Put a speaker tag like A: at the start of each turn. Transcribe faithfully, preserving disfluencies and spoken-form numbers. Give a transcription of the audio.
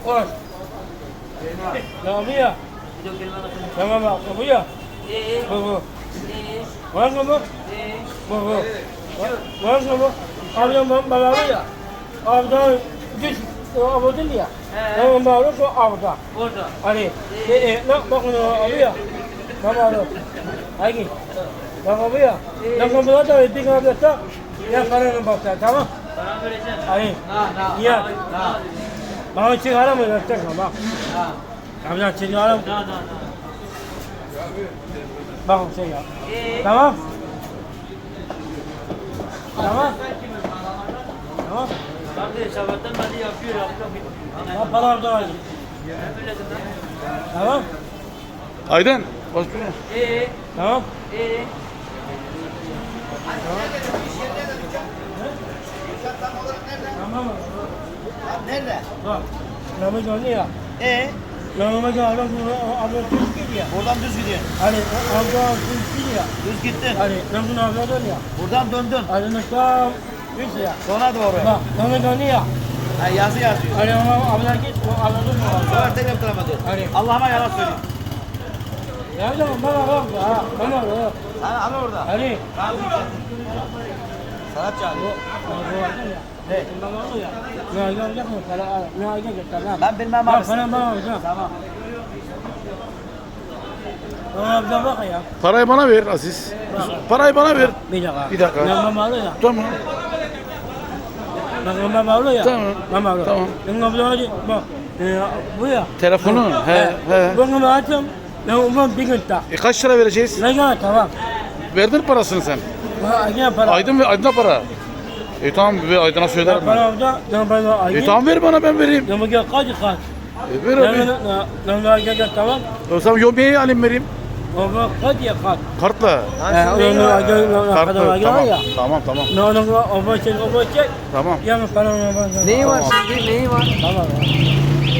A: Koş. Tamam ya. Tamam bak. Bu ya. Bu bu. Var mı bu? Bu bu. Var mı bu? Ablam baba ya. Ablam düş. Abla değil ya. Tamam bak. Bu abla.
B: Orada.
A: Hani. E nak bak bunu abi ya. Tamam abi. Haydi. Tamam abi ya. Nak bunu da bir gün abi tak. Ya paranı bak sen tamam.
B: Param vereceksin.
A: Hani.
B: Na na.
A: Ya.
B: Na.
A: Bana çıkar mı? Yapacak mı? Bak.
B: Na.
A: Ablam çıkar mı?
B: Na na na.
A: Bak şey ya. Tamam. Tamam. Tamam.
B: Kardeş sabahtan beri yapıyor yapıyor.
A: Ha para orada var. Tamam.
C: Aydın. Baş bir.
B: Ee,
A: Tamam.
B: ee.
A: Tamam mı?
D: Nerede?
A: Bak. Ramazan ne ya?
D: Ee,
A: Ramazan adam bunu abla düz gidiyor.
D: buradan düz gidiyorsun.
A: Hani abla düz gidiyor.
D: Düz gittin.
A: Hani Ramazan abla dönüyor.
D: Buradan döndün.
A: Hani nasıl düz ya.
D: Sona doğru.
A: Bak Ramazan ne ya?
D: Ha, yazı yazıyor.
A: Hani ama abla git o abla dönüyor.
D: Sonra tekrar kılamadı.
A: Hani.
D: Allah'ıma yalan söyleyeyim.
A: Ya canım bana bak ha. Bana bak.
D: Hani al orada.
A: Hani.
D: Sanat çağırıyor.
A: Ne? Ne yapacak mı? Ne yapacak? Tamam.
D: Ben bilmem
A: Bak
D: abi.
A: bana bana hocam.
D: Tamam.
A: Tamam bir bak ya.
C: Parayı bana ver Aziz. Parayı bana ver.
A: Bir dakika.
C: Bir dakika.
A: Ben mamalı ya.
C: Tamam.
A: Ben mamalı ya.
C: Tamam.
A: Mamalı.
C: Tamam.
A: Ben mamalı bak. e, Bu ya.
C: Telefonun. He he.
A: Ben mamalı açtım. Ben umum bir gün tak.
C: E kaç lira vereceğiz?
A: Ne kadar tamam.
C: Verdin parasını sen.
A: Ha yine para.
C: Aydın ve Aydın'a para. E tamam ver Aydın'a söylerim ben.
A: Para orada. Ben bana ayı.
C: E tamam ver bana ben vereyim.
A: Ben bugün kaç kaç.
C: E ver
A: Ben
C: abi.
A: ben ben gel tamam.
C: O zaman yomiyeyi alayım vereyim.
A: O bak kaç ya kaç.
C: Kartla.
A: Ha onu gel
C: Kartla.
A: kadar
C: Tamam.
A: ya.
C: Tamam tamam.
A: Ne onu o başlık o başlık.
C: Tamam.
A: Ya ben para.
D: Neyi var şimdi? Neyi var?
A: Tamam.